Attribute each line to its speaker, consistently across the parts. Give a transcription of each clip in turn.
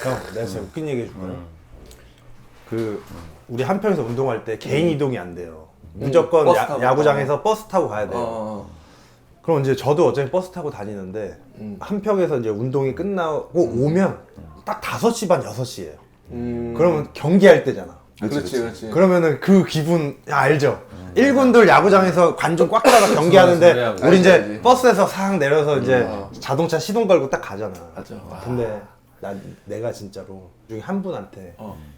Speaker 1: 형, 내가 진짜 웃긴 얘기 해줄까요? 우리 한평에서 운동할 때 개인 이동이 안 돼요. 무조건
Speaker 2: 버스 타고.
Speaker 1: 야구장에서 버스 타고 가야 돼요. 그럼 이제 저도 어차피 버스 타고 다니는데 한평에서 이제 운동이 끝나고 오면 딱 5시 반, 6시예요. 그러면 경기할 때잖아.
Speaker 2: 그렇지.
Speaker 1: 그러면은 그 기분 알죠? 1군들 야구장에서 관중 꽉 차서 경기하는데 우리 이제
Speaker 2: 알지.
Speaker 1: 버스에서 싹 내려서 이제 자동차 시동 걸고 딱 가잖아.
Speaker 2: 맞아.
Speaker 1: 근데 내가 진짜로 중에 한 분한테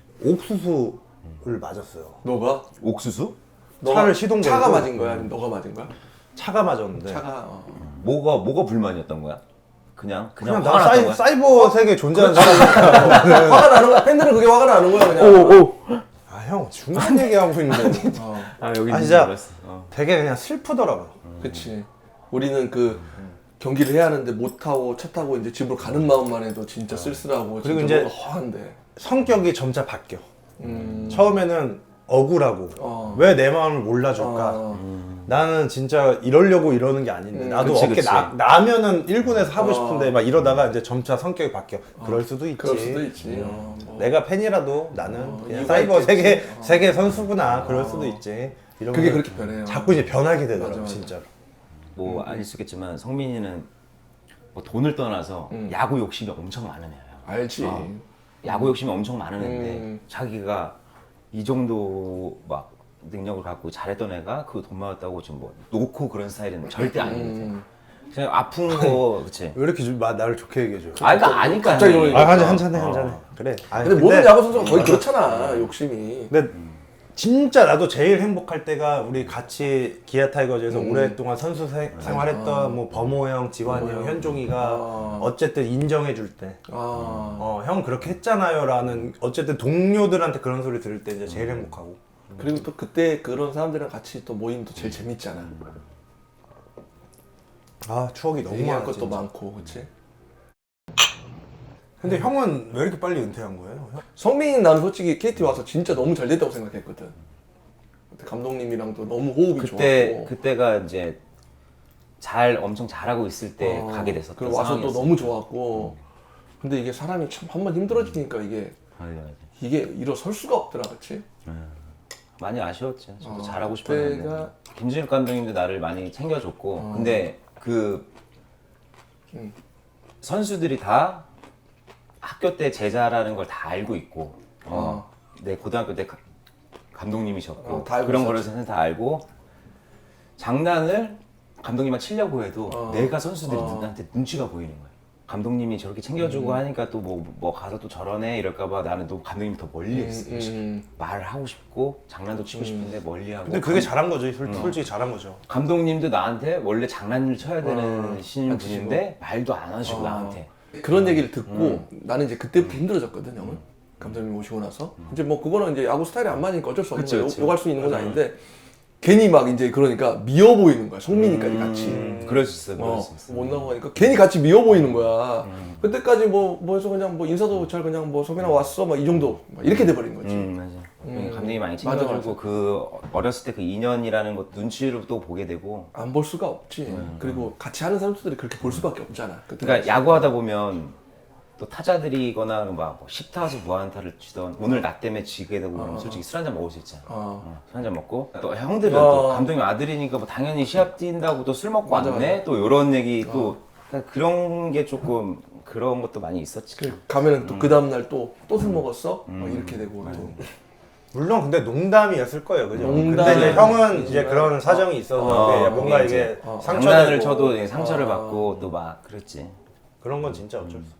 Speaker 1: 옥수수를 맞았어요.
Speaker 2: 너가?
Speaker 3: 옥수수?
Speaker 1: 차를 시동 걸고
Speaker 2: 차가 맞은 거야? 아니면 너가 맞은 거야?
Speaker 1: 차가 맞았는데
Speaker 2: 차가
Speaker 3: 뭐가 불만이었던 거야? 그냥
Speaker 1: 그냥
Speaker 3: 화가
Speaker 1: 나
Speaker 3: 났던 거야?
Speaker 1: 사이버 세계에 존재하는 사람이니까
Speaker 2: 화가 나는 거야? 팬들은 그게 화가 나는 거야 그냥.
Speaker 1: 아 형 중요한 얘기하고 있는데
Speaker 3: 여기
Speaker 1: 진짜 되게 그냥 슬프더라고요.
Speaker 2: 그치. 우리는 그 경기를 해야 하는데 못 타고 차 타고 이제 집으로 가는 마음만 해도 진짜 쓸쓸하고
Speaker 1: 그리고
Speaker 2: 진짜
Speaker 1: 이제
Speaker 2: 뭔가 허한데.
Speaker 1: 성격이 점차 바뀌어. 처음에는 억울하고 왜 내 마음을 몰라줄까. 나는 진짜 이러려고 이러는 게 아닌데 나도
Speaker 3: 그치,
Speaker 1: 어깨
Speaker 3: 그치.
Speaker 1: 나면은 1군에서 하고 싶은데 막 이러다가 이제 점차 성격이 바뀌어. 그럴 수도 있지.
Speaker 2: 그럴 수도 있지. 뭐.
Speaker 1: 내가 팬이라도 나는 그냥
Speaker 2: 이유가
Speaker 1: 사이버
Speaker 2: 있겠지.
Speaker 1: 세계 선수구나. 그럴 수도 있지. 이런
Speaker 2: 그게
Speaker 1: 거는
Speaker 2: 그렇게 변해요.
Speaker 1: 자꾸 이제 변하게 되더라고
Speaker 2: 맞아.
Speaker 1: 진짜로.
Speaker 3: 뭐 아닐 수 있겠지만 성민이는 뭐 돈을 떠나서 야구 욕심이 엄청 많은 애야.
Speaker 2: 알지.
Speaker 3: 야구 욕심이 엄청 많은 애인데 자기가 이 정도 막 능력을 갖고 잘했던 애가 그 돈 많았다고 지금 뭐 놓고 그런 스타일은 절대 아니거든. 그냥 아픈 거 그치?
Speaker 1: 왜 이렇게 나를 좋게 얘기해줘?
Speaker 3: 그러니까 아니까
Speaker 2: 갑자기
Speaker 3: 형이.
Speaker 1: 한잔해. 그래. 아니,
Speaker 2: 근데 모든 야구 선수가 거의 그렇잖아. 욕심이.
Speaker 1: 근데 진짜 나도 제일 행복할 때가 우리 같이 기아 타이거즈에서 오랫동안 선수 생활했던 뭐 범호 형, 지환이 형, 현종이가 어쨌든 인정해 줄 때. 형 그렇게 했잖아요라는 어쨌든 동료들한테 그런 소리 들을 때 이제 제일 행복하고.
Speaker 2: 그리고 또 그때 그런 사람들이랑 같이 또 모임도 제일 재밌잖아.
Speaker 1: 아 추억이 너무
Speaker 2: 얘기할
Speaker 1: 많아.
Speaker 2: 것도
Speaker 1: 진짜.
Speaker 2: 많고, 그치?
Speaker 1: 근데 형은 왜 이렇게 빨리 은퇴한 거예요?
Speaker 2: 성민이 나는 솔직히 KT 와서 진짜 너무 잘 됐다고 생각했거든. 그때 감독님이랑도 너무 호흡이 좋았고.
Speaker 3: 그때가 이제 엄청 잘하고 있을 때 가게 됐었던
Speaker 2: 그리고 와서 또
Speaker 3: 상황이었어.
Speaker 2: 너무 좋았고. 근데 이게 사람이 참 한 번 힘들어지니까 이게 일어설 수가 없더라, 그치?
Speaker 3: 많이 아쉬웠지. 저도 잘하고 싶었는데
Speaker 2: 그때가
Speaker 3: 김진욱 감독님도 나를 많이 챙겨줬고 근데 그 선수들이 다 학교 때 제자라는 걸 다 알고 있고 내 고등학교 때 감독님이셨고
Speaker 2: 다 알고
Speaker 3: 그런
Speaker 2: 있었지.
Speaker 3: 거를 다 알고 장난을 감독님한테 치려고 해도 내가 선수들이 나한테 눈치가 보이는 거야. 감독님이 저렇게 챙겨주고 하니까 또 뭐 가서 또 저러네 이럴까봐 나는 또 감독님이 더 멀리 있어. 말을 하고 싶고 장난도 치고 싶은데 멀리하고.
Speaker 1: 근데 그게 잘한 거죠. 솔직히 잘한 거죠.
Speaker 3: 감독님도 나한테 원래 장난을 쳐야 되는 신분인데 말도 안 하시고 나한테.
Speaker 2: 그런 얘기를 듣고 나는 이제 그때부터 힘들어졌거든, 형은. 감독님 오시고 나서. 이제 뭐 그거는 이제 야구 스타일이 안 맞으니까 어쩔 수 없는
Speaker 3: 그치,
Speaker 2: 거야.
Speaker 3: 그치.
Speaker 2: 욕할 수 있는 건 아닌데 괜히 막 이제 그러니까 미워 보이는 거야. 성민이까지 같이.
Speaker 3: 그럴 수 있어, 그럴 수 있어.
Speaker 2: 못 나가니까 괜히 같이 미워 보이는 거야. 그때까지 뭐 해서 그냥 뭐 인사도 잘 그냥 뭐 성민아 왔어 막 이 정도 막 이렇게 돼버린 거지.
Speaker 3: 맞아. 감독님이 많이
Speaker 2: 맞아,
Speaker 3: 챙겨주고
Speaker 2: 맞아.
Speaker 3: 그 어렸을 때 그 인연이라는 것 눈치로 또 보게 되고.
Speaker 2: 안 볼 수가 없지. 그리고 같이 하는 선수들이 그렇게 볼 수밖에 없잖아. 그때
Speaker 3: 그러니까 야구하다 보면 또 타자들이거나 막 10타수 무안타를 치던 오늘 나 때문에 지게 되고 그러면 솔직히 술 한잔 먹을 수 있잖아. 술 한잔 먹고 또 형들은 또 감독님 아들이니까 뭐 당연히 시합 뛴다고 또 술 먹고
Speaker 2: 맞아,
Speaker 3: 왔네 또 이런 얘기 또 그런 게 조금 그런 것도 많이 있었지.
Speaker 2: 가면은 또 그 다음날 또 술 먹었어? 막 이렇게 되고 또.
Speaker 1: 물론 근데 농담이었을 거예요, 그죠?
Speaker 2: 농담.
Speaker 1: 근데 이제 형은 이제 그런 사정이 있어서 이게 뭔가 이게
Speaker 3: 장난을
Speaker 1: 상처되고
Speaker 3: 쳐도 상처를 받고 또 막 그랬지.
Speaker 1: 그런 건 진짜 어쩔 수 없지.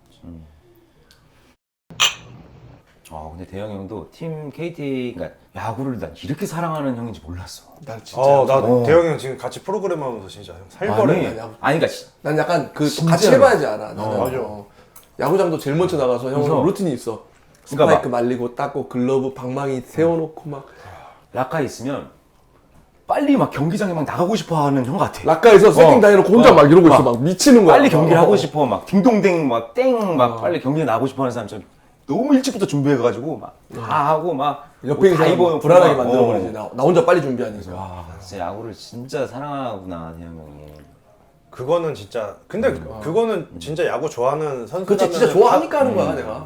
Speaker 3: 근데 대형 형도 팀 KT 그러니까 야구를 난 이렇게 사랑하는 형인지 몰랐어.
Speaker 2: 난 진짜
Speaker 1: 나 대형이 형 지금 같이 프로그램 하면서 진짜 형 살벌해.
Speaker 3: 아니 그러니까
Speaker 2: 난 약간 그
Speaker 3: 진짜로.
Speaker 2: 같이 해봐야지 알아. 나는
Speaker 1: 맞아.
Speaker 2: 야구장도 제일 먼저 나가서 형은
Speaker 3: 그래서-
Speaker 2: 루틴이 있어.
Speaker 3: 그러니까
Speaker 2: 스파이크 말리고 닦고 글러브 방망이 세워놓고 막
Speaker 3: 라카 있으면 빨리 막 경기장에 막 나가고 싶어하는 형 같아.
Speaker 2: 락가에서 세팅 다 해놓고 혼자 막 이러고 있어. 막 미치는 거야.
Speaker 3: 빨리 경기를 하고 싶어 막 딩동댕 막 땡 막 빨리 경기에 나가고 싶어하는 사람처럼 너무 일찍부터 준비해가지고 막 다 하고 막
Speaker 2: 옆에 있는
Speaker 3: 다
Speaker 2: 사람
Speaker 3: 입어놓고
Speaker 2: 불안하게
Speaker 3: 막,
Speaker 2: 만들어버리지. 나 혼자 빨리 준비하니까.
Speaker 3: 와 진짜 야구를 진짜 사랑하구나 대형 형이.
Speaker 1: 그거는 진짜 근데 그거는 진짜 야구 좋아하는 선수라면
Speaker 2: 그치 진짜 좋아하니까 하는 거야 내가.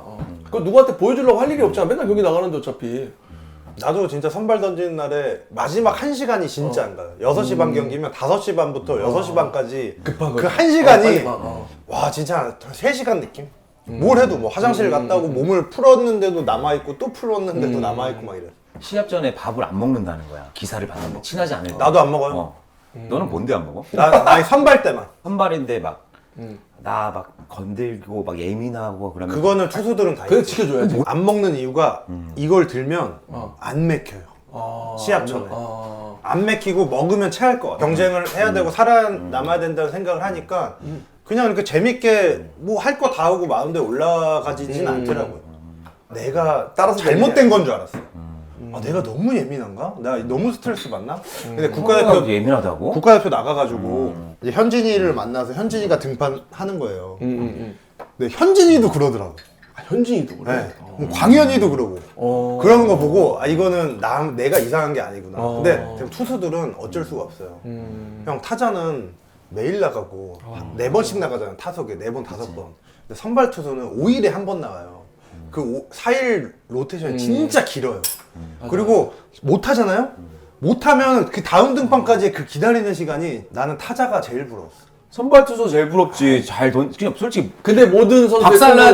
Speaker 2: 그 누구한테 보여주려고 할 일이 없잖아. 맨날 경기 나가는데 어차피.
Speaker 1: 나도 진짜 선발 던지는 날에 마지막 1시간이 진짜 안 가요. 6시 반 경기면 5시 반부터 6시 반까지
Speaker 2: 급한
Speaker 1: 그
Speaker 2: 거.
Speaker 1: 1시간이
Speaker 2: 빨리
Speaker 1: 와 진짜 3시간 느낌? 뭘 해도 뭐 화장실 갔다 오고 몸을 풀었는데도 남아있고 또 풀었는데도 남아있고 막 이래.
Speaker 3: 시합 전에 밥을 안 먹는다는 거야. 기사를 받는데 친하지 않을 때.
Speaker 1: 나도 안 먹어요.
Speaker 3: 너는 뭔데 안 먹어?
Speaker 1: 나 선발 때만.
Speaker 3: 선발인데 막 나 막 건들고 막 예민하고 그러면
Speaker 1: 그거는 투수들은 다
Speaker 2: 그래
Speaker 1: 있지.
Speaker 2: 지켜줘야지.
Speaker 1: 안 먹는 이유가 이걸 들면 안 맥혀요. 시합 전에. 안 맥히고 먹으면 체할 것 같아. 경쟁을 해야 되고 살아남아야 된다는 생각을 하니까 그냥 이렇게 재밌게 뭐 할 거 다 하고 마운드에 올라가지진 않더라고요. 내가
Speaker 2: 따라서
Speaker 1: 잘못된 건 줄 알았어. 아, 내가 너무 예민한가? 나 너무 스트레스 받나? 근데 국가대표
Speaker 3: 예민하다고?
Speaker 1: 국가대표 나가가지고 이제 현진이를 만나서 현진이가 등판하는 거예요. 근데 현진이도 그러더라고.
Speaker 2: 아, 현진이도 그래.
Speaker 1: 네. 뭐 광현이도 그러고 그러는 거 보고 아 이거는 내가 이상한 게 아니구나. 근데 지금 투수들은 어쩔 수가 없어요. 형 타자는 매일 나가고 4번씩 나가잖아. 타석에 4번 5번. 근데 선발 투수는 5일에 한 번 나가요. 그 4일 로테이션이 진짜 길어요. 그리고 못 하잖아요. 못 하면 그 다음 등판까지 그 기다리는 시간이 나는 타자가 제일 부러웠어.
Speaker 3: 선발 투수 제일 부럽지. 그냥 솔직히
Speaker 2: 근데 모든 선수의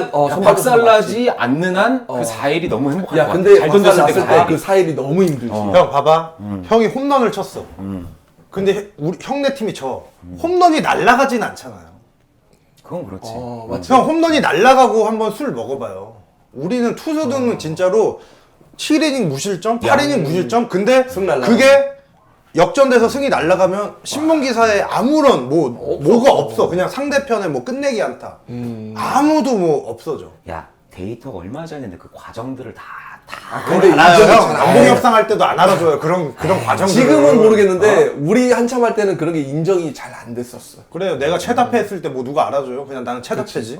Speaker 3: 박살나지 않는 한 그 4일이 너무 행복할
Speaker 2: 야
Speaker 3: 것
Speaker 2: 근데
Speaker 3: 같아. 잘 던졌을 때
Speaker 2: 그 4일이 너무 힘들지.
Speaker 1: 형 봐봐. 형이 홈런을 쳤어. 근데 우리 형네 팀이 쳐. 홈런이 날아가진 않잖아요.
Speaker 3: 그건 그렇지.
Speaker 2: 맞지.
Speaker 1: 형 홈런이 날아가고 한번 술 먹어봐요. 우리는 투수들은 진짜로 7이닝 무실점, 8이닝 무실점. 근데
Speaker 2: 승 날라가고.
Speaker 1: 그게 역전돼서 승이 날아가면 신문 기사에 아무런 뭐가 없어. 그냥 상대편에 뭐 끝내기 안타. 아무도 뭐 없어져.
Speaker 3: 야 데이터가 얼마 전인데 그 과정들을 다
Speaker 1: 근데
Speaker 2: 인정이
Speaker 1: 형
Speaker 2: 잘 안
Speaker 1: 남북
Speaker 2: 해.
Speaker 1: 협상 할 때도 안 알아줘요. 그런 과정들.
Speaker 2: 지금은 모르겠는데 우리 한참 할 때는 그런 게 인정이 잘 안 됐었어.
Speaker 1: 그래요. 내가 최다패 했을 때 뭐 누가 알아줘요? 그냥 나는 최다패지.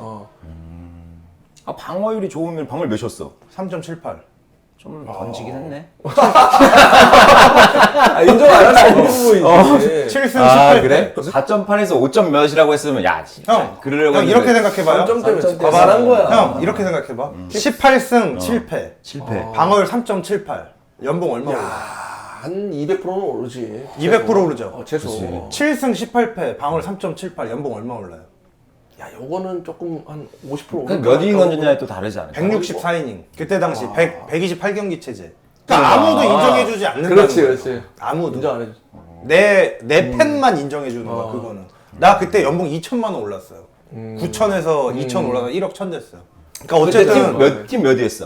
Speaker 3: 아, 방어율이 좋으면 방어율 몇이었어?
Speaker 1: 3.78.
Speaker 3: 좀 던지긴 했네.
Speaker 2: 인정 안 할 수 없는 부분이지.
Speaker 1: 7승
Speaker 3: 아
Speaker 1: 18패.
Speaker 3: 그래? 4.8에서 5점 몇이라고 했으면 야 진짜
Speaker 1: 형,
Speaker 3: 그러려고
Speaker 1: 형 이렇게 생각해봐요.
Speaker 2: 3점 때문에
Speaker 3: 3점
Speaker 2: 과반한 거야.
Speaker 1: 형 이렇게 생각해봐. 18승 7패.
Speaker 3: 7패.
Speaker 1: 방어율 3.78. 연봉 얼마 올라?
Speaker 2: 한 200%는 오르지.
Speaker 1: 200% 오르죠.
Speaker 2: 최소.
Speaker 1: 7승 18패. 방어율 3.78. 연봉 얼마 올라요?
Speaker 2: 야, 요거는 조금 한 50% 오르.
Speaker 3: 몇 이닝 던졌냐에 또 다르지 않을까?
Speaker 1: 164이닝. 그때 당시 128경기 체제. 그러니까 아무도 인정해주지 않는다는
Speaker 2: 그렇지,
Speaker 1: 거예요.
Speaker 2: 그렇지.
Speaker 1: 아무도.
Speaker 2: 인정 안 해줘.
Speaker 1: 내 팬만 인정해주는 거야, 그거는. 나 그때 연봉 2천만 원 올랐어요. 9천에서 2천 올라서 1억 1천 됐어요. 그러니까 어쨌든
Speaker 3: 팀 몇위 했어?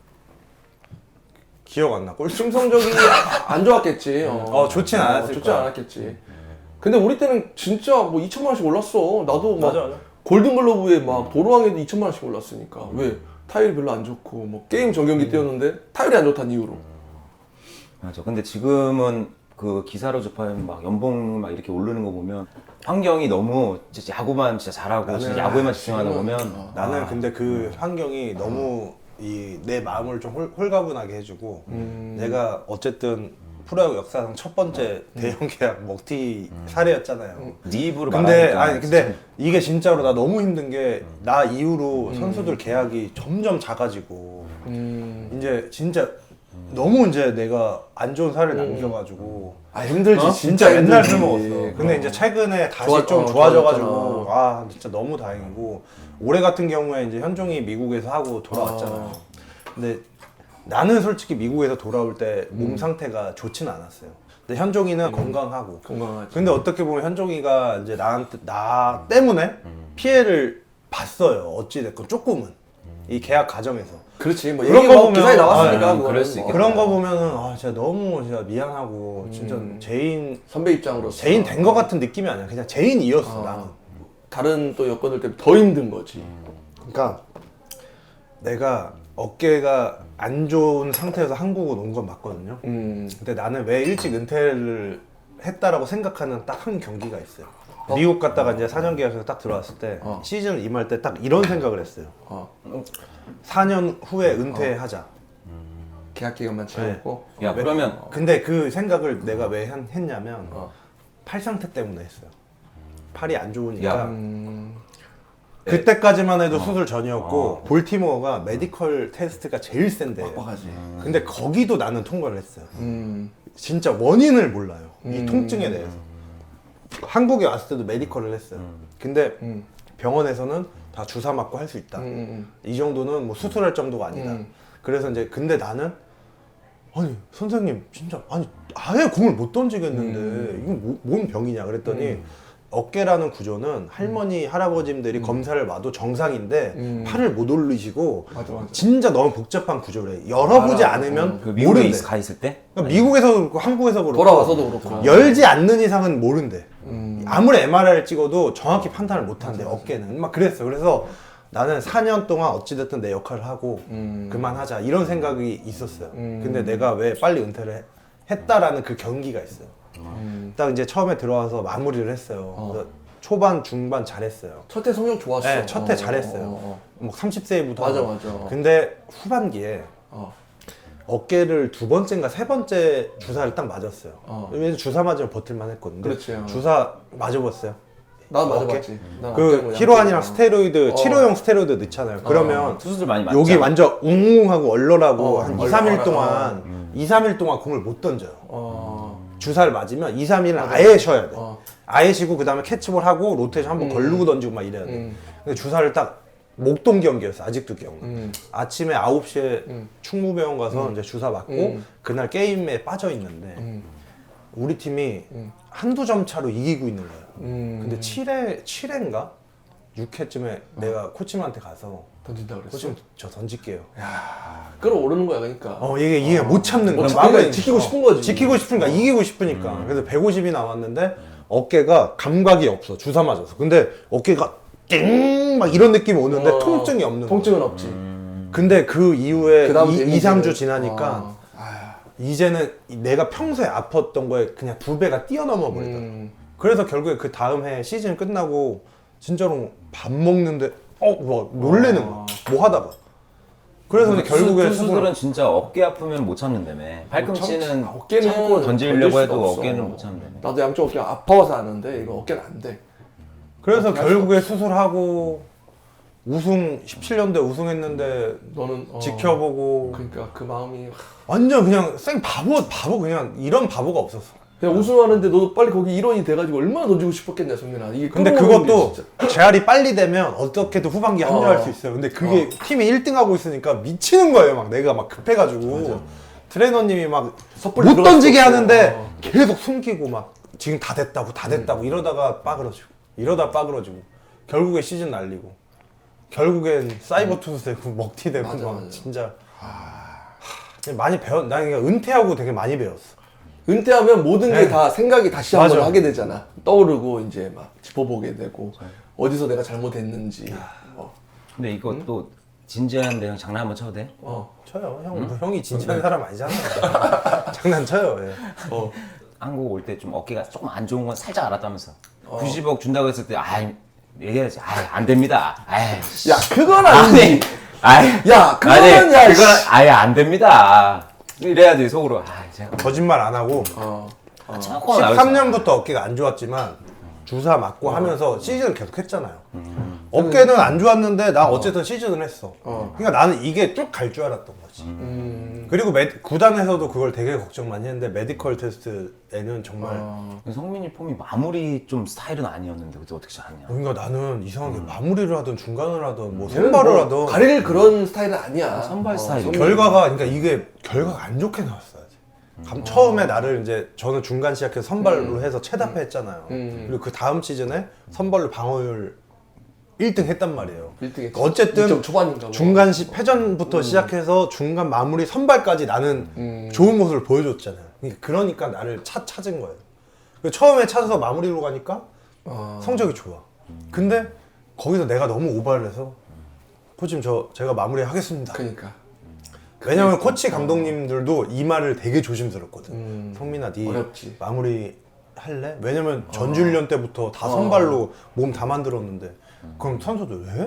Speaker 1: 기억 안 나. 꼴
Speaker 2: 팀 성적이 안 좋았겠지.
Speaker 1: 좋진 않았을
Speaker 2: 좋지
Speaker 1: 거야.
Speaker 2: 않았겠지. 근데 우리 때는 진짜 뭐 2천만 원씩 올랐어. 나도 막
Speaker 1: 맞아.
Speaker 2: 골든글러브에 막 도로왕에도 2천만 원씩 올랐으니까. 왜? 타율이 별로 안 좋고 뭐 게임 전경기 뛰었는데 타율이 안 좋다는 이유로.
Speaker 3: 맞아. 근데 지금은 그 기사로 접하면 막 연봉 막 이렇게 오르는 거 보면 환경이 너무 진짜 야구만 진짜 잘하고 진짜 야구에만 집중하다 보면
Speaker 1: 나는 근데 그 환경이 너무 내 마음을 좀 홀가분하게 해주고 내가 어쨌든 프로야구 역사상 첫 번째 대형 계약 먹튀 사례였잖아요.
Speaker 3: 네 입으로
Speaker 1: 근데
Speaker 3: 말하니까
Speaker 1: 근데 이게 진짜로 나 너무 힘든 게 나 이후로 선수들 계약이 점점 작아지고 이제 진짜 너무 이제 내가 안 좋은 사례를 남겨가지고
Speaker 2: 힘들지.
Speaker 1: 진짜 맨날 술
Speaker 2: 힘들지.
Speaker 1: 먹었어. 근데 이제 최근에 다시
Speaker 2: 좋아-
Speaker 1: 좀
Speaker 2: 어,
Speaker 1: 좋아져가지고 진짜 너무 다행이고 올해 같은 경우에 이제 현종이 미국에서 하고 돌아왔잖아요. 근데 나는 솔직히 미국에서 돌아올 때 몸 상태가 좋지는 않았어요. 근데 현종이는 건강하고.
Speaker 2: 건강하지.
Speaker 1: 근데 어떻게 보면 현종이가 이제 나 때문에 피해를 봤어요. 어찌 됐건 조금은 이 계약 과정에서.
Speaker 2: 그렇지. 뭐
Speaker 1: 그런
Speaker 2: 얘기가
Speaker 1: 거 보면-
Speaker 2: 기사에 나왔으니까
Speaker 3: 그럴
Speaker 2: 그거는
Speaker 3: 수
Speaker 2: 뭐.
Speaker 3: 있겠다.
Speaker 1: 그런 거 보면은 진짜 너무 진짜 미안하고 진짜
Speaker 2: 선배 입장으로서
Speaker 1: 죄인 된 거 같은 느낌이 아니야. 그냥 죄인이었어 나는.
Speaker 2: 다른 또 여건들 때문에 더 힘든 거지.
Speaker 1: 그러니까 내가 어깨가 안 좋은 상태에서 한국으로 온 건 맞거든요. 근데 나는 왜 일찍 은퇴를 했다라고 생각하는 딱 한 경기가 있어요. 미국 갔다가 이제 4년 계약에서 딱 들어왔을 때 시즌 임할 때 딱 이런 생각을 했어요. 4년 후에 은퇴하자.
Speaker 2: 계약 기간만 채우고.
Speaker 3: 야 그러면
Speaker 1: 근데 그 생각을 내가 왜 했냐면 팔 상태 때문에 했어요. 팔이 안 좋으니까.
Speaker 3: 야.
Speaker 1: 그때까지만 해도 수술 전이었고 볼티모어가 메디컬 테스트가 제일 센데.
Speaker 2: 빡빡하지.
Speaker 1: 근데 거기도 나는 통과를 했어요. 진짜 원인을 몰라요. 이 통증에 대해서. 한국에 왔을 때도 메디컬을 했어요. 근데 병원에서는 다 주사 맞고 할 수 있다. 이 정도는 뭐 수술할 정도가 아니다. 그래서 이제 근데 나는 아니 선생님 진짜 아니 아예 공을 못 던지겠는데 이건 뭔 병이냐 그랬더니 어깨라는 구조는 할머니 할아버지들이 검사를 봐도 정상인데 팔을 못 올리시고
Speaker 2: 맞아.
Speaker 1: 진짜 너무 복잡한 구조래. 열어보지 않으면
Speaker 3: 그 미국에
Speaker 1: 모른대.
Speaker 3: 가 있을 때?
Speaker 1: 그러니까 미국에서 그렇고 한국에서 그렇고
Speaker 2: 돌아와서도 그렇고.
Speaker 1: 열지 않는 이상은 모른대. 아무리 MRI를 찍어도 정확히 판단을 못 한대. 어깨는 막 그랬어. 그래서 나는 4년 동안 어찌됐든 내 역할을 하고 그만하자 이런 생각이 있었어요. 근데 내가 왜 빨리 은퇴를 했다라는 그 경기가 있어요. 딱 이제 처음에 들어와서 마무리를 했어요. 그래서 초반 중반 잘했어요.
Speaker 2: 첫 해 성적 좋았어.
Speaker 1: 네, 첫 해 잘했어요. 뭐 30세부터
Speaker 2: 맞아.
Speaker 1: 근데 후반기에 어깨를 두 번째인가 세 번째 주사를 딱 맞았어요. 왜냐면 주사 맞으면 버틸만 했거든요.
Speaker 2: 그렇지.
Speaker 1: 주사 맞아봤어요.
Speaker 2: 난
Speaker 1: 어깨?
Speaker 2: 맞아봤지. 난
Speaker 1: 그
Speaker 2: 어깨고
Speaker 1: 히로안이랑
Speaker 2: 양쪽으로.
Speaker 1: 스테로이드 치료용 스테로이드 넣잖아요. 그러면
Speaker 3: 수술 많이 맞죠?
Speaker 1: 여기 완전 웅웅하고 얼얼하고 한 2, 3일
Speaker 2: 얼얼.
Speaker 1: 동안 2, 3일 동안 공을 못 던져요. 주사를 맞으면 2, 3일은 아예 쉬어야 돼. 아예 쉬고 그 다음에 캐치볼 하고 로테이션 한번 걸르고 던지고 막 이래야 돼. 근데 주사를 딱 목동 경기였어. 아직도 기억나. 아침에 9시에 충무병원 가서 이제 주사 맞고 그날 게임에 빠져 있는데 우리 팀이 한두 점 차로 이기고 있는 거야. 근데 7회인가? 6회쯤에 내가 코치님한테 가서
Speaker 2: 던진다 그랬어.
Speaker 1: 코치님 저 던질게요.
Speaker 2: 끌어오르는 거야 그러니까.
Speaker 1: 이게 못 참는 거야.
Speaker 2: 그러니까 지키고 싶은 거지.
Speaker 1: 지키고 싶으니까 이기고 싶으니까. 그래서 150이 나왔는데 어깨가 감각이 없어. 주사 맞아서. 근데 어깨가 띵막 이런 느낌이 오는데 통증이 없는 거야.
Speaker 2: 통증은 없지.
Speaker 1: 근데 그 이후에
Speaker 2: 그다음
Speaker 1: 2, 3주
Speaker 2: 데미지는-
Speaker 1: 지나니까 이제는 내가 평소에 아팠던 거에 그냥 2배가 뛰어넘어 버리더라고. 그래서 결국에 그 다음 해 시즌 끝나고 진짜로 밥 먹는데 막 놀래는 거야. 뭐 하다가. 그래서 이제 결국에
Speaker 3: 투수들은 진짜 어깨 아프면 못 참는다며. 팔꿈치는
Speaker 2: 어깨는
Speaker 3: 참고 던지려고
Speaker 2: 던질
Speaker 3: 해도
Speaker 2: 수가 없어.
Speaker 3: 어깨는 못 참는다며.
Speaker 2: 나도 양쪽 어깨가 아파서 아는데 이거 어깨는 안 돼.
Speaker 1: 그래서 결국에 수술하고 우승 17년대 우승했는데
Speaker 2: 너는
Speaker 1: 지켜보고
Speaker 2: 그러니까 그 마음이
Speaker 1: 완전 그냥 바보 그냥 이런 바보가 없었어.
Speaker 2: 그냥 우승하는데 너도 빨리 거기 일원이 돼가지고 얼마나 던지고 싶었겠냐 성민아. 이게
Speaker 1: 근데
Speaker 2: 끌어오르는 게
Speaker 1: 그것도
Speaker 2: 진짜.
Speaker 1: 재활이 빨리 되면 어떻게든 후반기에 합류할 수 있어요. 근데 그게 팀이 1등 하고 있으니까 미치는 거예요. 막 내가 막 급해가지고 트레이너님이 막
Speaker 2: 섣불리
Speaker 1: 못
Speaker 2: 들어갈
Speaker 1: 던지게
Speaker 2: 수 없어.
Speaker 1: 하는데 계속 숨기고 막 지금 다 됐다고 이러다가 빠그러지고 이러다 빠그러지고 결국에 시즌 날리고 결국엔 사이버 투수 되고 먹튀 되고
Speaker 2: 맞아,
Speaker 1: 막
Speaker 2: 맞아.
Speaker 1: 진짜 많이 난 그냥 은퇴하고 되게 많이 배웠어.
Speaker 2: 은퇴하면 모든 게
Speaker 1: 네.
Speaker 2: 다 생각이 다시 한번
Speaker 1: 맞아.
Speaker 2: 하게 되잖아. 떠오르고 이제 막 짚어보게 되고 어디서 내가 잘못했는지.
Speaker 3: 근데 이거 또 진지한데 형 장난 한번 쳐도 돼?
Speaker 1: 쳐요. 형이 진지한 사람 아니잖아. 장난쳐요. 예.
Speaker 3: 한국 올 때 좀 어깨가 조금 안 좋은 건 살짝 알았다면서. 90억 준다고 했을 때 얘기해야지. 안 됩니다.
Speaker 2: 야 그건 아니지. 야, 그거는 야,
Speaker 3: 그건 아예 안 됩니다. 이래야지 속으로. 제가
Speaker 1: 거짓말 안 하고
Speaker 3: 조금 나오겠어.
Speaker 1: 13년부터 어깨가 안 좋았지만 주사 맞고 하면서 시즌을 계속 했잖아요. 어깨는 안 좋았는데 나 어쨌든 시즌을 했어. 그러니까 나는 이게 쭉 갈 줄 알았던 거지. 그리고 구단에서도 그걸 되게 걱정 많이 했는데 메디컬 테스트에는 정말
Speaker 3: 성민이 폼이 마무리 좀 스타일은 아니었는데 그때 어떻게 잘하냐.
Speaker 1: 그러니까 나는 이상하게 마무리를 하든 중간을 하든 뭐
Speaker 2: 얘는
Speaker 1: 선발을
Speaker 2: 뭐
Speaker 1: 하든
Speaker 2: 가릴 그런 스타일은 아니야.
Speaker 3: 선발 스타일이.
Speaker 1: 그러니까 이게 결과가 안 좋게 나왔어야지. 처음에 나를 이제 저는 중간 시작해서 선발로 해서 최다패 했잖아요. 그리고 그 다음 시즌에 선발로 방어율 1등 했단 말이에요.
Speaker 2: 1등 했지.
Speaker 1: 어쨌든
Speaker 2: 2점 초반인가 뭐.
Speaker 1: 중간 패전부터 시작해서 중간 마무리 선발까지 나는 좋은 모습을 보여줬잖아요. 그러니까 나를 찾은 거예요. 처음에 찾아서 마무리로 가니까 성적이 좋아. 근데 거기서 내가 너무 오바를 해서 코치님 제가 마무리 하겠습니다.
Speaker 2: 그러니까.
Speaker 1: 왜냐면 코치 감독님들도 이 말을 되게 조심스럽거든. 성민아, 네
Speaker 2: 어렵지.
Speaker 1: 마무리 할래? 왜냐면 전주훈련 때부터 다 선발로 몸 다 만들었는데 그럼 선수들 왜?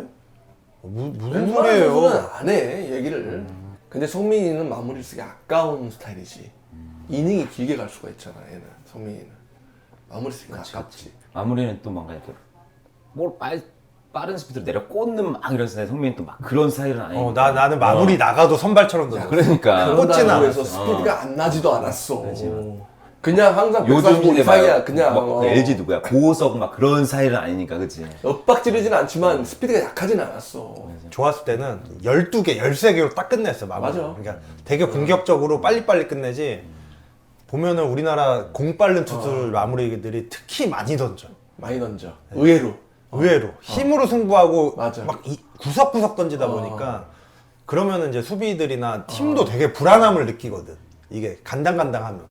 Speaker 1: 무슨 소리예요?
Speaker 2: 선수는 안 해, 얘기를. 근데 성민이는 마무리를 쓰기 아까운 스타일이지. 이닝이 길게 갈 수가 있잖아, 얘는. 성민이는. 마무리 쓰기 아깝지.
Speaker 3: 마무리는 또 뭔가 이렇게 뭘 빠른 스피드로 내려 꽂는 막 이런 스타일. 성민이 또 막 그런 스타일은 아니니까.
Speaker 1: 나는 마무리 나가도 선발처럼 던져.
Speaker 3: 그러니까
Speaker 1: 꽂지는
Speaker 2: 그런다고 해서
Speaker 1: 않았어.
Speaker 2: 스피드가 안 나지도 않았어. 그냥 항상
Speaker 3: 요즘
Speaker 2: 145
Speaker 3: 이제
Speaker 2: 이상이야.
Speaker 3: 막
Speaker 2: 그냥
Speaker 3: 그 LG 누구야? 고호석 막 그런 스타일은 아니니까, 그치?
Speaker 2: 엇박지르진 않지만 스피드가 약하진 않았어.
Speaker 1: 좋았을 때는 12개, 13개로 딱 끝냈어, 마무리.
Speaker 2: 맞아.
Speaker 1: 그러니까 되게 공격적으로 빨리빨리 끝내지. 보면은 우리나라 공 빠른 투수들 마무리들이 특히 많이 던져.
Speaker 2: 많이 던져. 의외로.
Speaker 1: 의외로 힘으로 승부하고
Speaker 2: 맞아.
Speaker 1: 막 구석구석 던지다 보니까 그러면은 이제 수비들이나 팀도 되게 불안함을 느끼거든. 이게 간당간당하면.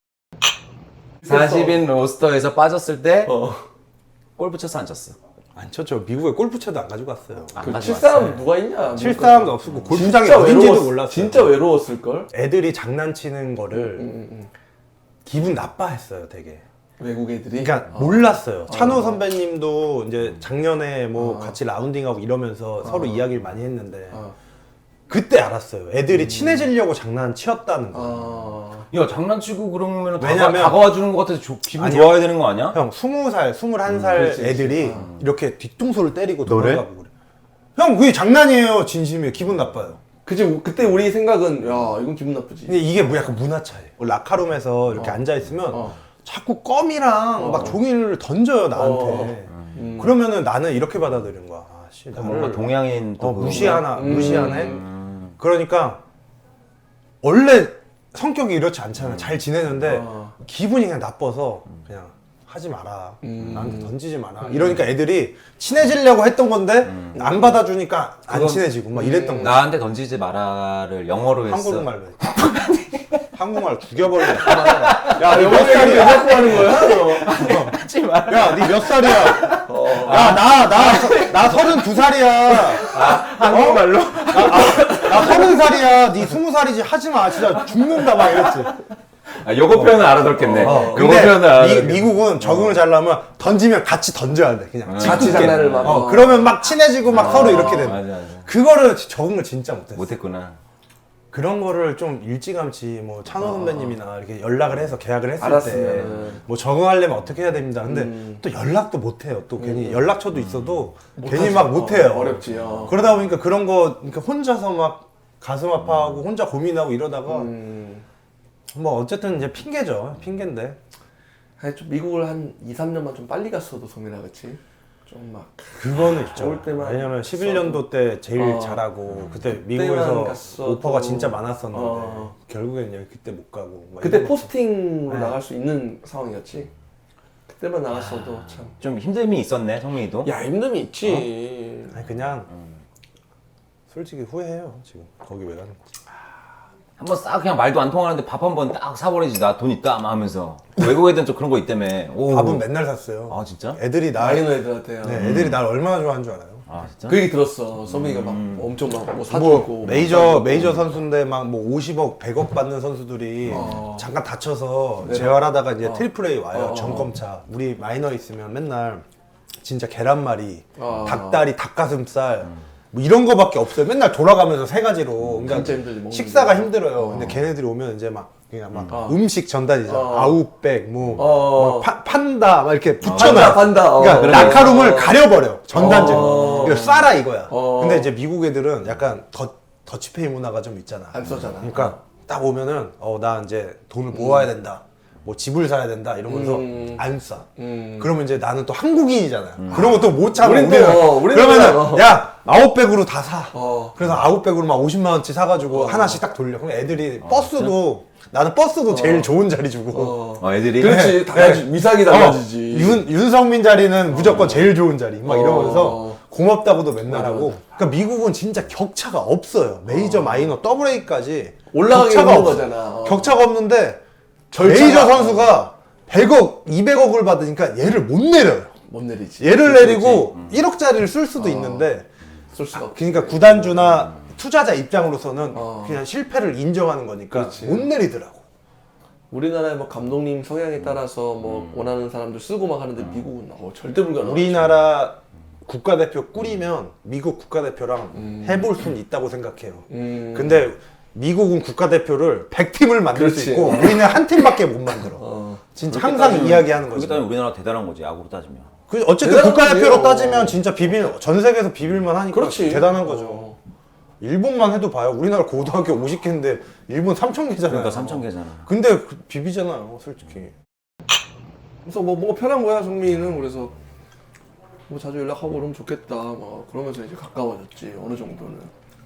Speaker 3: 40인 로스터에서 빠졌을 때 골프 쳤어 안 쳤어?
Speaker 1: 안 쳤죠. 미국에 골프채도 안 가지고 갔어요.
Speaker 3: 안
Speaker 2: 그
Speaker 3: 가져왔어요.
Speaker 2: 칠사람 누가 있냐?
Speaker 1: 칠 사람도 없었고 골프장이 어딘지도 몰랐어요.
Speaker 2: 진짜 외로웠을걸?
Speaker 1: 애들이 장난치는 거를 기분 나빠했어요, 되게.
Speaker 2: 외국 애들이.
Speaker 1: 그러니까 몰랐어요. 찬호 선배님도 이제 작년에 뭐 같이 라운딩하고 이러면서 서로 이야기를 많이 했는데 그때 알았어요. 애들이 친해지려고 장난치었다는 거.
Speaker 3: 야 장난치고 그러면
Speaker 1: 왜냐면-
Speaker 3: 다가와 주는 것 같아서 기분
Speaker 1: 아니야.
Speaker 3: 좋아야 되는 거 아니야?
Speaker 1: 형 20살, 21살
Speaker 2: 그렇지,
Speaker 1: 애들이 이렇게 뒤통수를 때리고
Speaker 3: 너를?
Speaker 1: 도망가고 그래. 형 그게 장난이에요. 진심이에요. 기분 나빠요.
Speaker 2: 그치, 그때 우리 생각은, 야, 이건 기분 나쁘지.
Speaker 1: 근데 이게 뭐 약간 문화 차이. 라카룸에서 이렇게 앉아 있으면 자꾸 껌이랑 막 종이를 던져요 나한테. 그러면은 나는 이렇게 받아들이는 거야. 아, 씨, 나를
Speaker 3: 뭔가 동양인 또 그런
Speaker 1: 무시하네. 그러니까 원래 성격이 이렇지 않잖아. 잘 지내는데 기분이 그냥 나빠서 그냥 하지 마라. 나한테 던지지 마라. 이러니까 애들이 친해지려고 했던 건데 안 받아주니까 안
Speaker 3: 그건-
Speaker 1: 친해지고 막 이랬던 거야.
Speaker 3: 나한테 던지지 마라를 영어로 했어.
Speaker 1: 한국말로. 한국말 죽여버리네.
Speaker 2: 야, 영어 얘기 왜 자꾸 하는 거야?
Speaker 3: 하지 마.
Speaker 1: 야, 니 몇 살이야? 야, 나 32살이야.
Speaker 3: 한국말로?
Speaker 1: 나 30살이야. 니 20살이지. 하지 마. 진짜 죽는다. 막 이랬지.
Speaker 3: 아, 요거 표현은 알아듣겠네. 요거
Speaker 1: 근데
Speaker 3: 표현은 알아듣겠네.
Speaker 1: 미국은 적응을 잘하면 던지면 같이 던져야 돼. 그냥.
Speaker 2: 같이 장난을 막.
Speaker 1: 그러면 막 친해지고 막 서로 이렇게 돼.
Speaker 3: 맞아.
Speaker 1: 그거를 적응을 진짜 못했어.
Speaker 3: 못했구나.
Speaker 1: 그런 거를 좀 일찌감치 뭐 찬호 선배님이나 이렇게 연락을 해서 계약을 했을 때
Speaker 2: 알았으면은.
Speaker 1: 뭐 적응하려면 어떻게 해야 됩니다. 근데 또 연락도 못 해요. 또 괜히 연락처도 있어도 괜히 막 못 해요.
Speaker 2: 어렵지.
Speaker 1: 그러다 보니까 그런 거 그러니까 혼자서 막 가슴 아파하고 혼자 고민하고 이러다가 뭐 어쨌든 이제 핑계죠. 핑계인데.
Speaker 2: 아니, 좀 미국을 한 2, 3년만 좀 빨리 갔어도 성민아, 그치? 좀 막.
Speaker 1: 그거는 있죠.
Speaker 2: 올 때만
Speaker 1: 왜냐면 11년도 때 제일 잘하고 그때 미국에서
Speaker 2: 갔어도.
Speaker 1: 오퍼가 진짜 많았었는데 결국엔 여기 그때 못 가고 막
Speaker 2: 그때
Speaker 1: 이런 거.
Speaker 2: 포스팅으로 나갈 수 있는 상황이었지? 그때만 나갔어도 참.
Speaker 3: 좀 힘듦이 있었네, 성민이도.
Speaker 2: 야, 힘듦이 있지.
Speaker 1: 아니 그냥 솔직히 후회해요 지금 거기 왜 가는 거지.
Speaker 3: 한번 싹 그냥 말도 안 통하는데 밥 한 번 딱 사버리지. 나 돈 있다 막 하면서. 외국 애들은 좀 그런 거 있다며. 오.
Speaker 1: 밥은 맨날 샀어요.
Speaker 3: 아 진짜?
Speaker 1: 애들이
Speaker 2: 마이너 애들한테.
Speaker 1: 네, 애들이 날 얼마나 좋아하는 줄 알아요?
Speaker 3: 아 진짜?
Speaker 2: 그 얘기 들었어. 서민이가 막 엄청 막 뭐 사주고.
Speaker 1: 뭐 메이저 선수인데 막 뭐 50억, 100억 받는 선수들이 잠깐 다쳐서 재활하다가 이제 트리플 A 와요. 정검차. 우리 마이너 있으면 맨날 진짜 계란말이, 닭다리, 닭가슴살 뭐 이런 거밖에 없어요. 맨날 돌아가면서 세 가지로. 그러니까
Speaker 2: 진짜 힘들지, 먹는
Speaker 1: 식사가 힘들어요. 근데 걔네들이 오면 이제 막 그냥 막 음식 전달이죠. 아웃백, 뭐 판다 막 이렇게 붙여놔요.
Speaker 2: 판다.
Speaker 1: 그러니까
Speaker 2: 그래.
Speaker 1: 라카룸을 가려버려. 전단지로. 이거 싸라 이거야. 근데 이제 미국 애들은 약간 더치페이 문화가 좀 있잖아.
Speaker 2: 안 써잖아.
Speaker 1: 그러니까 딱 오면은 나 이제 돈을 모아야 된다. 뭐 집을 사야 된다 이러면서 안 싸. 그러면 이제 나는 또 한국인이잖아요. 그런 것도 못 참아.
Speaker 2: 우린 또, 우리는
Speaker 1: 그러면은
Speaker 2: 그냥,
Speaker 1: 야 아웃백으로 다 사.
Speaker 2: 어.
Speaker 1: 그래서 아웃백으로 막 50만 원치 사가지고 하나씩 딱 돌려. 그럼 애들이 버스도 나는 버스도 제일 좋은 자리 주고.
Speaker 3: 애들이?
Speaker 2: 그렇지. 달라지. 위상이 달라지지.
Speaker 1: 윤성민 자리는 무조건 제일 좋은 자리. 막 이러면서 고맙다고도 맨날 하고. 그러니까 미국은 진짜 격차가 없어요. 메이저, 마이너, 더블 A까지
Speaker 2: 올라가게
Speaker 1: 격차가
Speaker 2: 있는
Speaker 1: 없어.
Speaker 2: 거잖아.
Speaker 1: 격차가 없는데
Speaker 2: 절차가-
Speaker 1: 메이저 선수가 100억, 200억을 받으니까 얘를 못 내려요.
Speaker 2: 못 내리지.
Speaker 1: 얘를 내리고 1억짜리를 쓸 수도 있는데
Speaker 2: 쓸 수가 없.
Speaker 1: 그러니까 구단주나 투자자 입장으로서는 그냥 실패를 인정하는 거니까
Speaker 2: 그렇지.
Speaker 1: 못 내리더라고.
Speaker 2: 우리나라의 뭐 감독님 성향에 따라서 뭐 원하는 사람들 쓰고 막 하는데 미국은 절대 불가능.
Speaker 1: 우리나라 국가대표 꾸리면 미국 국가대표랑 해볼 수는 있다고 생각해요. 근데 미국은 국가대표를 100팀을 만들 수
Speaker 2: 그렇지.
Speaker 1: 있고 우리는 한 팀밖에 못 만들어. 진짜 항상 이야기하는
Speaker 3: 그게
Speaker 1: 거지.
Speaker 3: 때문에 우리나라 대단한 거지, 야구로 따지면.
Speaker 1: 어쨌든
Speaker 2: 대단한
Speaker 1: 국가대표로
Speaker 2: 거예요.
Speaker 1: 따지면 진짜 전 세계에서 비빌만 하니까
Speaker 2: 그렇지.
Speaker 1: 대단한 거죠. 일본만 해도 봐요. 우리나라 고등학교 50개인데 일본 3,000개잖아요.
Speaker 3: 그러니까 3,000개잖아.
Speaker 1: 근데 비비잖아요, 솔직히.
Speaker 2: 그래서 뭐 뭔가 편한 거야 성민이는. 그래서 뭐 자주 연락하고 그러면 좋겠다. 뭐 그러면서 이제 가까워졌지 어느 정도는.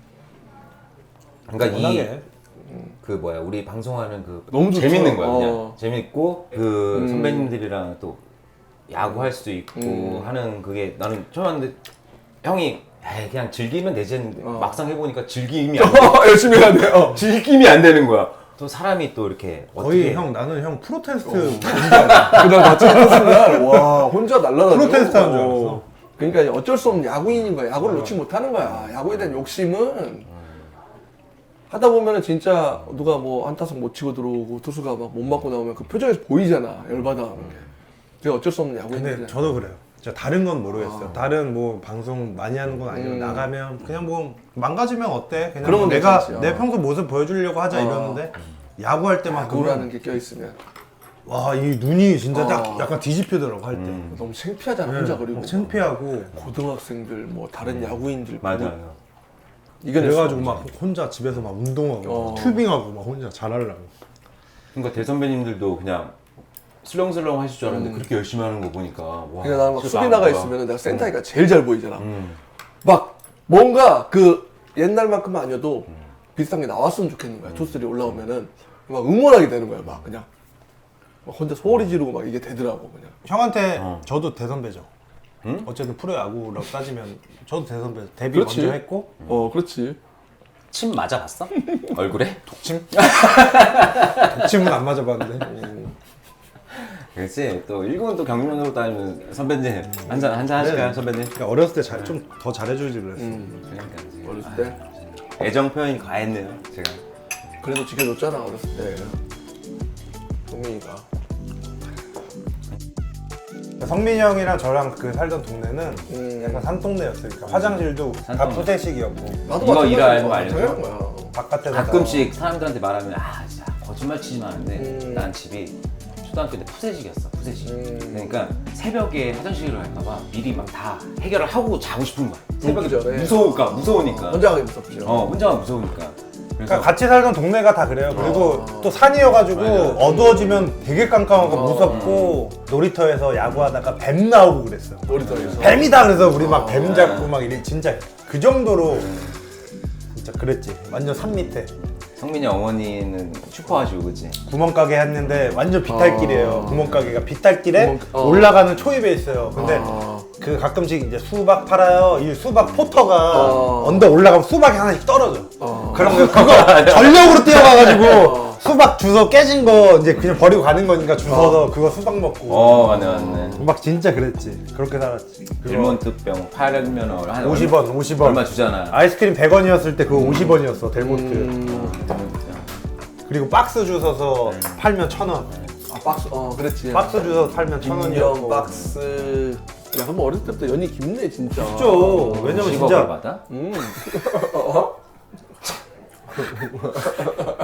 Speaker 3: 그러니까
Speaker 1: 워낙에.
Speaker 3: 그 뭐야 우리 방송하는 그
Speaker 2: 너무 좋죠.
Speaker 3: 재밌는 거야 그냥
Speaker 2: 어.
Speaker 3: 재밌고 그 선배님들이랑 또 야구할 수도 있고 하는 그게 나는 처음 왔는데 형이 에이, 그냥 즐기면 되지 했는데 막상 해보니까 즐김이 안 돼.
Speaker 2: 열심히 해야 돼요.
Speaker 3: 즐김이 안 되는 거야. 또 사람이 또 이렇게
Speaker 1: 거의
Speaker 3: 어떻게
Speaker 1: 나는 형 프로테스트
Speaker 2: 그날 같이 하는 순간 와 혼자 날라다녀.
Speaker 1: 프로테스트 하는 줄 알았어.
Speaker 2: 그러니까 어쩔 수 없는 야구인인 거야. 야구를 놓지 못하는 거야. 야구에 대한 욕심은 하다 보면은 진짜 누가 뭐 한타석 못 치고 들어오고 투수가 막 못 맞고 나오면 그 표정에서 보이잖아. 열받아 하는 게. 그게 어쩔 수 없는 야구인들.
Speaker 1: 근데 저도 그래요. 진짜 다른 건 모르겠어요. 다른 뭐 방송 많이 하는 건 아니고 나가면 그냥 뭐 망가지면 어때? 그냥
Speaker 2: 그러면
Speaker 1: 내가
Speaker 2: 괜찮지.
Speaker 1: 내 평소 모습 보여주려고 하자 이러는데 야구할 때만큼은
Speaker 2: 야구라는 게 껴있으면
Speaker 1: 와 이 눈이 진짜 딱 약간 뒤집히더라고 할 때.
Speaker 2: 너무 창피하잖아. 혼자 그리고
Speaker 1: 창피하고
Speaker 2: 고등학생들 뭐 다른 야구인들
Speaker 3: 맞아요.
Speaker 2: 이겨낼
Speaker 1: 그래가지고
Speaker 2: 수가
Speaker 1: 막 혼자 집에서 막 운동하고
Speaker 2: 어.
Speaker 1: 튜빙하고 막 혼자 잘하려고.
Speaker 3: 그러니까 대선배님들도 그냥 슬렁슬렁 하실 줄 알았는데 그렇게 열심히 하는 거 보니까 와.
Speaker 2: 그러니까 나는 막
Speaker 3: 진짜
Speaker 2: 수비 나가
Speaker 3: 나은 거야.
Speaker 2: 있으면 내가 센터니까 제일 잘 보이잖아. 막 뭔가 그 옛날만큼은 아니어도 비슷한 게 나왔으면 좋겠는 거야. 투수들이 올라오면은 막 응원하게 되는 거야. 막 그냥 막 혼자 소리 지르고 막 이게 되더라고 그냥.
Speaker 1: 형한테 저도 대선배죠. 어쨌든 프로야구라고 따지면 저도 대선배 데뷔
Speaker 2: 그렇지.
Speaker 1: 먼저 했고
Speaker 2: 그렇지.
Speaker 3: 침 맞아봤어? 얼굴에?
Speaker 1: 독침? 독침은 안 맞아봤는데.
Speaker 3: 그렇지. 또 일군 또 경륜으로 따지면 선배님 한잔 하실까요 선배님?
Speaker 1: 그러니까 어렸을 때 좀 더 잘해주지 그랬어.
Speaker 3: 그러니까 이제.
Speaker 2: 어렸을 때.
Speaker 3: 애정 표현이 과했네요 제가.
Speaker 2: 그래도 지켜줬잖아 어렸을 때. 동민이가.
Speaker 1: 성민이 형이랑 저랑 그 살던 동네는 약간 산동네였어요. 그러니까 화장실도 다
Speaker 3: 산동네.
Speaker 1: 푸대식이었고
Speaker 2: 나도
Speaker 3: 이거
Speaker 2: 마찬가지야.
Speaker 3: 일할 거 알려줘.
Speaker 2: 당연한 거야.
Speaker 1: 바깥에서
Speaker 3: 가끔씩 사람들한테 말하면 아 진짜 거짓말 치지 마는데 난 집이 초등학교 때 푸세식이었어 푸세식. 그러니까 새벽에 화장실을 갈까봐 미리 막 다 해결을 하고 자고 싶은 거야. 새벽에
Speaker 2: 전에.
Speaker 3: 무서우니까.
Speaker 2: 혼자 가기 무섭죠.
Speaker 3: 혼자가 무서우니까. 그래서
Speaker 1: 그러니까 같이 살던 동네가 다 그래요. 그리고 또 산이어가지고 어두워지면 되게 깜깜하고 무섭고 놀이터에서 야구하다가 뱀 나오고 그랬어요.
Speaker 2: 놀이터에서.
Speaker 1: 뱀이다 그래서 우리 막 뱀 잡고 막 이래 진짜 그 정도로 진짜 그랬지. 완전 산 밑에
Speaker 3: 성민이 어머니는 슈퍼하시고 그치?
Speaker 1: 구멍가게 했는데 완전 비탈길이에요. 구멍가게가 비탈길에
Speaker 2: 구멍-
Speaker 1: 올라가는 초입에 있어요. 근데 그 가끔씩 이제 수박 팔아요. 이 수박 포터가 언덕 올라가면 수박이 하나씩 떨어져. 그럼 그거 전력으로 뛰어가가지고 수박 주워 깨진 거 이제 그냥 버리고 가는 거니까 주워서 그거 수박 먹고.
Speaker 3: 맞네.
Speaker 1: 막 진짜 그랬지. 그렇게 살았지.
Speaker 3: 델몬트병 팔면 한
Speaker 1: 50원.
Speaker 3: 얼마 주잖아.
Speaker 1: 아이스크림 100원이었을 때 그거 50원이었어. 델몬트. 그리고 박스 주워서 팔면 1,000원.
Speaker 2: 아 박스 그랬지.
Speaker 1: 박스 주워서 팔면 1,000원이었고.
Speaker 2: 인형 박스. 야 그럼 어렸을 때부터 연이 깊네 진짜.
Speaker 1: 그죠. 왜냐면
Speaker 3: 10억을
Speaker 1: 진짜
Speaker 3: 받아?